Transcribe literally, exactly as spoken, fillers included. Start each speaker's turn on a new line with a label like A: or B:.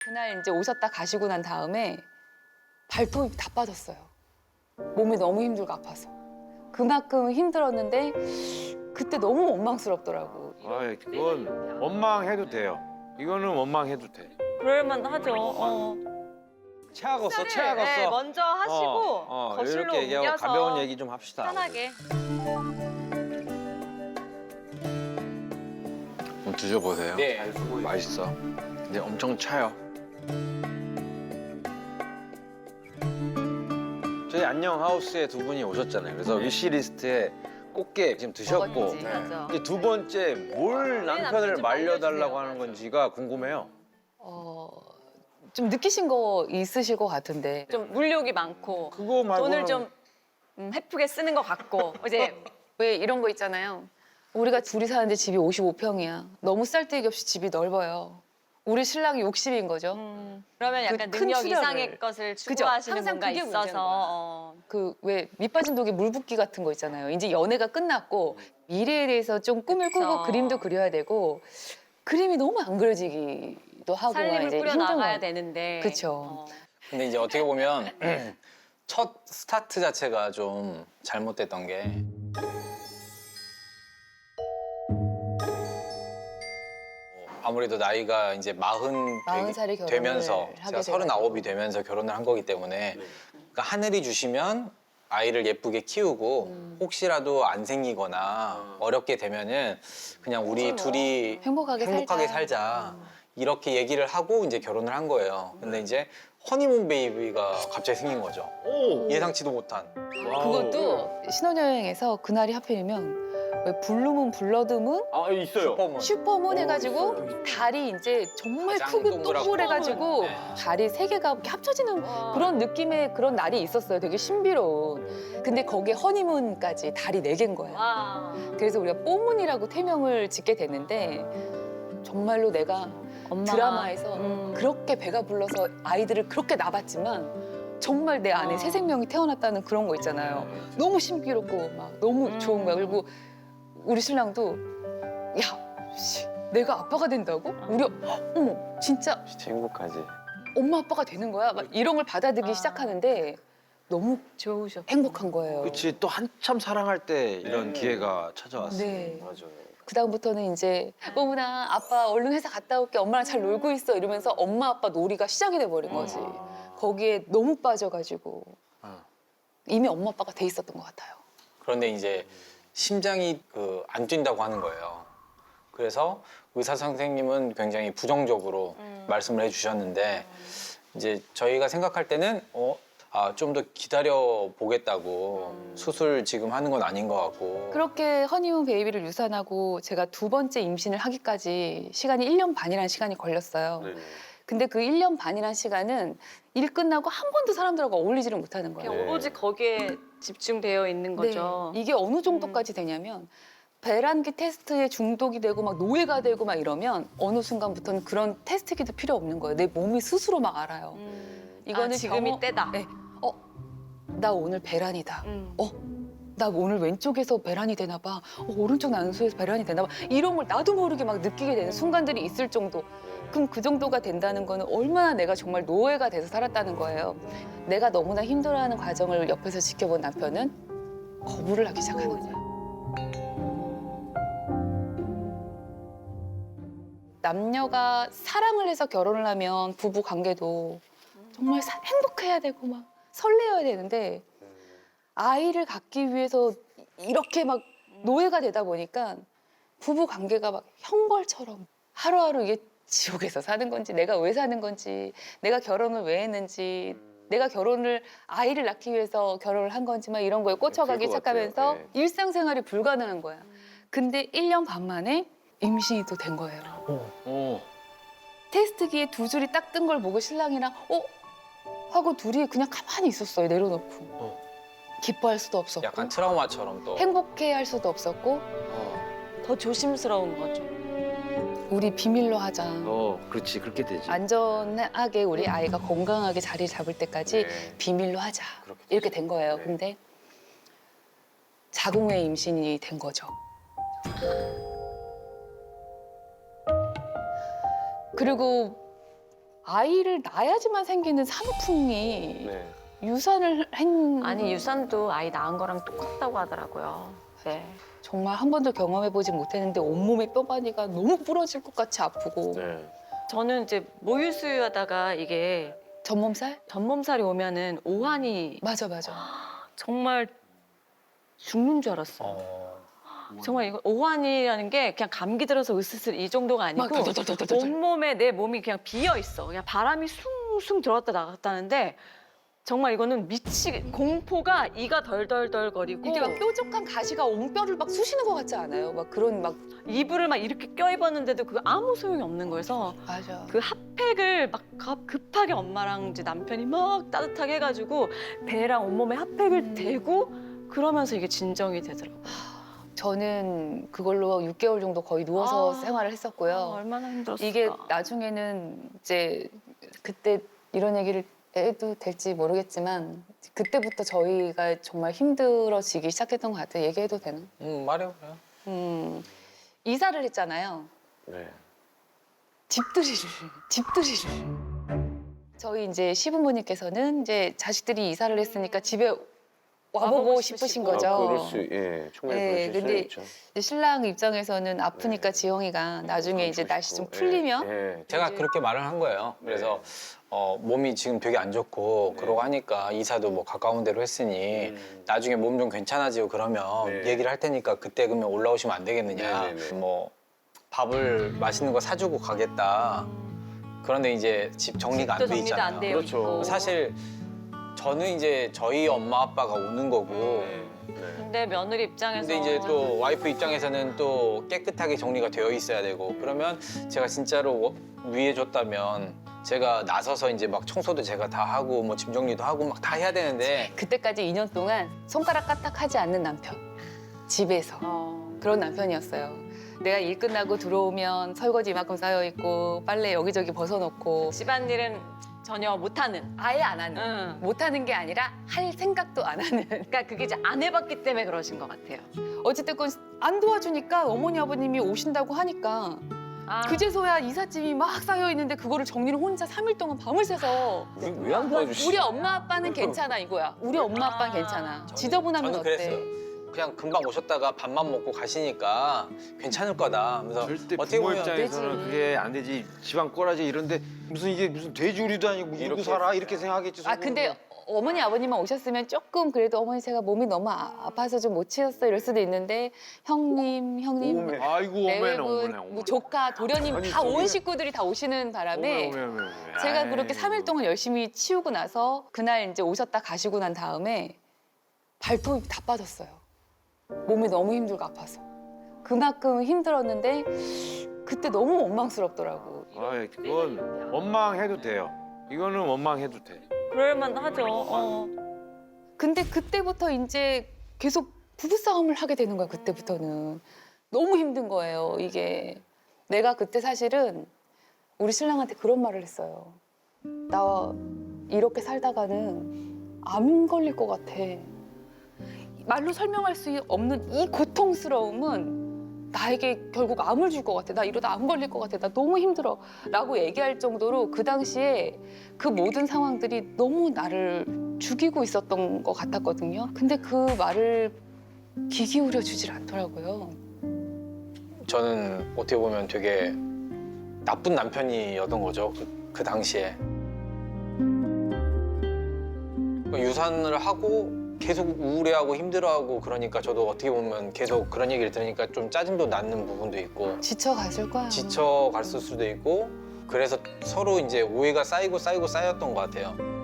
A: 그날 이제 오셨다 가시고 난 다음에 발톱이 다 빠졌어요. 몸이 너무 힘들고 아파서. 그만큼 힘들었는데 그때 너무 원망스럽더라고.
B: 아, 그건 원망해도 돼요. 이거는 원망해도 돼.
C: 그럴만 하죠. 어.
B: 체하겠어,
C: 네,
B: 체하겠어.
C: 먼저 하시고
B: 어, 어,
C: 거실로
B: 이렇게 얘기하고
C: 옮겨서
B: 가벼운 얘기 좀 합시다.
C: 편하게.
B: 좀 드셔보세요.
D: 네.
B: 맛있어. 근데 엄청 차요. 저희 안녕 하우스에 두 분이 오셨잖아요. 그래서 위시리스트에 꽃게 지금 드셨고
A: 먹었지.
B: 네.
C: 맞아.
B: 이제 두 번째 뭘
C: 남편
B: 남편을
C: 좀
B: 말려달라고
C: 말려주세요.
B: 하는 건지가 궁금해요.
A: 어, 좀 느끼신 거 있으실 것 같은데.
C: 좀 물욕이 많고
B: 그거 말고는
C: 돈을 좀 음, 헤프게 쓰는 것 같고 이제
A: 왜 이런 거 있잖아요. 우리가 둘이 사는데 집이 오십오 평이야. 너무 쌀데기 없이 집이 넓어요. 우리 신랑이 욕심인 거죠.
C: 음, 그러면 약간
A: 그큰
C: 능력
A: 수련을.
C: 이상의 것을
A: 그죠?
C: 추구하시는
A: 항상
C: 뭔가
A: 그게 문제인
C: 있어서
A: 거야.
C: 어.
A: 그 왜 밑빠진 독에 물 붓기 같은 거 있잖아요. 이제 연애가 끝났고 미래에 대해서 좀 꿈을 꾸고
C: 그쵸.
A: 그림도 그려야 되고 그림이 너무 안 그려지기도 하고
C: 살림을
A: 이제
C: 꾸려
A: 힘든
C: 나가야
A: 거.
C: 되는데
A: 그쵸.
C: 어.
D: 근데 이제 어떻게 보면 첫 스타트 자체가 좀 잘못됐던 게 아무래도 나이가 이제 마흔
A: 마흔 살에 결혼을
D: 되면서
A: 하게
D: 제가 서른아홉이
A: 돼가지고.
D: 되면서 결혼을 한 거기 때문에 그러니까 하늘이 주시면 아이를 예쁘게 키우고
A: 음.
D: 혹시라도 안 생기거나 어렵게 되면은 그냥 우리
C: 그치 뭐.
D: 둘이
A: 행복하게,
D: 행복하게
A: 살자.
D: 살자. 이렇게 얘기를 하고 이제 결혼을 한 거예요. 근데 이제 허니문 베이비가 갑자기 생긴 거죠.
B: 오!
D: 예상치도 못한.
A: 그것도 신혼여행에서 그날이 하필이면 왜 블루문 블러드문
B: 아, 있어요.
D: 슈퍼문.
A: 슈퍼문 해가지고
B: 있어요.
A: 달이 이제 정말
D: 가장
A: 크고
D: 동그랗고.
A: 동그래가지고
D: 네.
A: 달이 세 개가 이렇게 합쳐지는
C: 와.
A: 그런 느낌의 그런 날이 있었어요. 되게 신비로운. 근데 거기에 허니문까지 달이 네 개인 거예요.
C: 와.
A: 그래서 우리가 뽀문이라고 태명을 짓게 됐는데 정말로 내가
C: 엄마가,
A: 드라마에서
C: 음.
A: 그렇게 배가 불러서 아이들을 그렇게 낳았지만 정말 내 안에
C: 어.
A: 새 생명이 태어났다는 그런 거 있잖아요. 너무 신비롭고 막 너무
C: 음.
A: 좋은 거야. 그리고 우리 신랑도 야, 씨, 내가 아빠가 된다고? 우리 어머 진짜
B: 진짜 행복하지.
A: 엄마 아빠가 되는 거야? 막 이런 걸 받아들이기
C: 아.
A: 시작하는데 너무
C: 좋으셨.
A: 행복한 거예요.
B: 그렇지, 또 한참 사랑할 때 이런
D: 네.
B: 기회가 찾아왔어요.
A: 네.
B: 맞아요.
A: 그 다음부터는 이제 뽀문아 아빠 얼른 회사 갔다 올게 엄마랑 잘 놀고 있어 이러면서 엄마 아빠 놀이가 시작이 돼버린 거지. 거기에 너무 빠져가지고
B: 어.
A: 이미 엄마 아빠가 돼 있었던 것 같아요.
D: 그런데 이제 심장이 그 안 뛴다고 하는 거예요. 그래서 의사 선생님은 굉장히 부정적으로
C: 음.
D: 말씀을 해주셨는데 이제 저희가 생각할 때는 어, 아, 좀 더 기다려 보겠다고
C: 음.
D: 수술 지금 하는 건 아닌 것 같고.
A: 그렇게 허니문 베이비를 유산하고 제가 두 번째 임신을 하기까지 시간이 일 년 반이라는 시간이 걸렸어요.
B: 네.
A: 근데 그 일 년 반이라는 시간은 일 끝나고 한 번도 사람들하고 어울리지를 못하는 거예요.
C: 그냥 오로지 거기에 집중되어 있는 거죠.
A: 네. 이게 어느 정도까지 되냐면 배란기 테스트에 중독이 되고 막 노예가 되고 막 이러면 어느 순간부터는 그런 테스트기도 필요 없는 거예요. 내 몸이 스스로 막 알아요.
C: 음.
A: 이거는
C: 아, 지금이
A: 경험-
C: 때다.
A: 네. 어, 나 오늘 배란이다.
C: 음.
A: 어, 나 오늘 왼쪽에서 배란이 되나 봐. 어, 오른쪽 난소에서 배란이 되나 봐. 이런 걸 나도 모르게 막 느끼게 되는 순간들이 있을 정도. 그럼 그 정도가 된다는 거는 얼마나 내가 정말 노예가 돼서 살았다는 거예요. 내가 너무나 힘들어하는 과정을 옆에서 지켜본 남편은 거부를 하기 시작하는 거예요. 남녀가 사랑을 해서 결혼을 하면 부부 관계도 정말 사- 행복해야 되고 막 설레어야 되는데 아이를 갖기 위해서 이렇게 막 노예가 되다 보니까 부부 관계가 막 형벌처럼 하루하루 이게 지옥에서 사는 건지 내가 왜 사는 건지 내가 결혼을 왜 했는지 내가 결혼을 아이를 낳기 위해서 결혼을 한 건지 막 이런 거에 꽂혀가기
B: 그럴 것 같아요.
A: 시작하면서
B: 네.
A: 일상생활이 불가능한 거야. 근데 일 년 반 만에 임신이 또 된 거예요.
B: 오.
A: 테스트기에 두 줄이 딱 뜬 걸 보고 신랑이랑 어? 하고 둘이 그냥 가만히 있었어요. 내려놓고.
B: 어.
A: 기뻐할 수도 없었고
D: 약간 트라우마처럼 또.
A: 행복해할 수도 없었고
B: 어.
C: 더 조심스러운 거죠.
A: 우리 비밀로 하자.
B: 어, 그렇지, 그렇게 되지.
A: 안전하게 우리 아이가 건강하게 자리를 잡을 때까지
B: 네.
A: 비밀로 하자.
D: 그렇게
A: 이렇게 된 거예요.
B: 네.
A: 근데 자궁의 임신이 된 거죠. 그리고 아이를 낳아야지만 생기는 산후풍이
E: 네.
A: 유산을 한
C: 아니 유산도 아이 낳은 거랑 똑같다고 하더라고요. 네.
A: 정말 한 번도 경험해보지 못했는데 온몸의 뼈마디가 너무 부러질 것 같이 아프고
E: 네.
C: 저는 이제 모유수유하다가 이게
A: 전몸살?
C: 전몸살이 오면은 오한이
A: 맞아 맞아.
C: 정말 죽는 줄 알았어요.
D: 어,
C: 정말 이거 오한이라는 게 그냥 감기 들어서 으스스 이 정도가 아니고
A: 막 덜덜덜덜덜.
C: 온몸에 내 몸이 그냥 비어 있어. 그냥 바람이 숭숭 들어왔다 나갔다는데 정말 이거는 미치 공포가 이가 덜덜덜 거리고
A: 이게 막 뾰족한 가시가 옹뼈를 막 쑤시는 것 같지 않아요? 막 그런 막
C: 이불을 막 이렇게 껴입었는데도 그거 아무 소용이 없는 거여서
A: 맞아.
C: 그 핫팩을 막 급- 급하게 엄마랑 이제 남편이 막 따뜻하게 해가지고 배랑 온몸에 핫팩을 대고 그러면서 이게 진정이 되더라고요.
A: 저는 그걸로 육 개월 정도 거의 누워서
C: 아.
A: 생활을 했었고요.
C: 아, 얼마나 힘들었을까.
A: 이게 나중에는 이제 그때 이런 얘기를 해도 될지 모르겠지만 그때부터 저희가 정말 힘들어지기 시작했던 것 같아요. 얘기해도 되나?
D: 음, 말해요. 그래요.
A: 음, 이사를 했잖아요.
E: 네.
A: 집들이를, 집들이를. 저희 이제 시부모님께서는 이제 자식들이 이사를 했으니까 집에 와보고
C: 와보고
A: 싶으신
C: 싶으시고.
A: 거죠.
E: 아, 그럴 수, 예, 충분히
A: 네,
E: 그러실 수
A: 근데
E: 있죠.
A: 이제 신랑 입장에서는 아프니까
E: 네.
A: 지영이가 나중에 이제
E: 그러시고
A: 날씨 좀
E: 싶고,
A: 풀리면
E: 예, 예.
D: 제가
A: 이제-
D: 그렇게 말을 한 거예요. 그래서 어, 몸이 지금 되게 안 좋고
E: 네.
D: 그러고 하니까 이사도 뭐 가까운 데로 했으니
E: 음.
D: 나중에 몸 좀 괜찮아지고 그러면
E: 네.
D: 얘기를 할 테니까 그때 그러면 올라오시면 안 되겠느냐.
E: 네, 네, 네.
D: 뭐 밥을 맛있는 거 사주고 가겠다. 그런데 이제 집 정리가 안
C: 집도
D: 돼
C: 정리도
D: 있잖아요.
C: 안 되어
E: 그렇죠.
C: 있고.
D: 사실 저는 이제 저희 엄마 아빠가 오는 거고
E: 네. 네.
C: 근데 며느리 입장에서
D: 근데 이제 또 와이프 입장에서는 또 깨끗하게 정리가 되어 있어야 되고 그러면 제가 진짜로 위해줬다면 제가 나서서 이제 막 청소도 제가 다 하고 뭐 짐 정리도 하고 막 다 해야 되는데
A: 그때까지 이 년 동안 손가락 까딱하지 않는 남편. 집에서.
C: 어,
A: 그런 남편이었어요. 내가 일 끝나고 들어오면 설거지 이만큼 쌓여 있고 빨래 여기저기 벗어놓고
C: 집안일은 전혀 못하는.
A: 아예 안 하는.
C: 응.
A: 못하는 게 아니라 할 생각도 안 하는.
C: 그러니까 그게 이제 안 해봤기 때문에 그러신 것 같아요.
A: 어쨌든 안 도와주니까 어머니 아버님이 오신다고 하니까
C: 아,
A: 그제서야 이삿짐이 막 쌓여 있는데 그거를 정리를 혼자 삼 일 동안 밤을 새서
E: 왜 안 도와주시지?
A: 우리 엄마 아빠는 괜찮아 이거야. 우리 엄마 아빠는
C: 아,
A: 괜찮아.
D: 저는-
A: 지저분하면
D: 저는
A: 어때?
D: 그랬어요. 그냥 금방 오셨다가 밥만 먹고 가시니까 괜찮을 거다. 그래서
B: 절대
D: 어떻게
B: 부모
D: 보면
B: 입장에서는
A: 되지.
B: 그게 안 되지. 집안 꼬라지 이런데 무슨 이게 무슨 돼지우리도 아니고 이러고
D: 이렇게
B: 살아 이렇게 생각하겠지.
A: 아 근데 어머니 아버님만 오셨으면 조금 그래도 어머니 제가 몸이 너무 아, 아파서 좀 못 치웠어 이럴 수도 있는데 형님 형님
E: 오메.
B: 아이고 오메네
A: 내외분
B: 오메네
A: 뭐
B: 오메네.
A: 조카 도련님
B: 아니,
A: 다 온
B: 저기는-
A: 식구들이 다 오시는 바람에
B: 오메, 오메, 오메, 오메.
A: 제가
B: 아이.
A: 그렇게 삼 일 동안 열심히 치우고 나서 그날 이제 오셨다 가시고 난 다음에 발톱이 다 빠졌어요. 몸이 너무 힘들고 아파서. 그만큼 힘들었는데 그때 너무 원망스럽더라고.
B: 아이, 그건 원망해도 돼요. 이거는 원망해도 돼.
C: 그럴만 하죠. 어.
A: 근데 그때부터 이제 계속 부부싸움을 하게 되는 거야, 그때부터는. 너무 힘든 거예요, 이게. 내가 그때 사실은 우리 신랑한테 그런 말을 했어요. 나 이렇게 살다가는 암 걸릴 것 같아. 말로 설명할 수 없는 이 고통스러움은 나에게 결국 암을 줄 것 같아. 나 이러다 암 걸릴 것 같아. 나 너무 힘들어. 라고 얘기할 정도로 그 당시에 그 모든 상황들이 너무 나를 죽이고 있었던 것 같았거든요. 근데 그 말을 귀 기울여 주질 않더라고요.
D: 저는 어떻게 보면 되게 나쁜 남편이었던 거죠. 그, 그 당시에. 유산을 하고 계속 우울해하고 힘들어하고 그러니까 저도 어떻게 보면 계속 그런 얘기를 들으니까 좀 짜증도 나는 부분도 있고
A: 지쳐갔을 거야.
D: 지쳐갔을 수도 있고 그래서 서로 이제 오해가 쌓이고 쌓이고 쌓였던 것 같아요.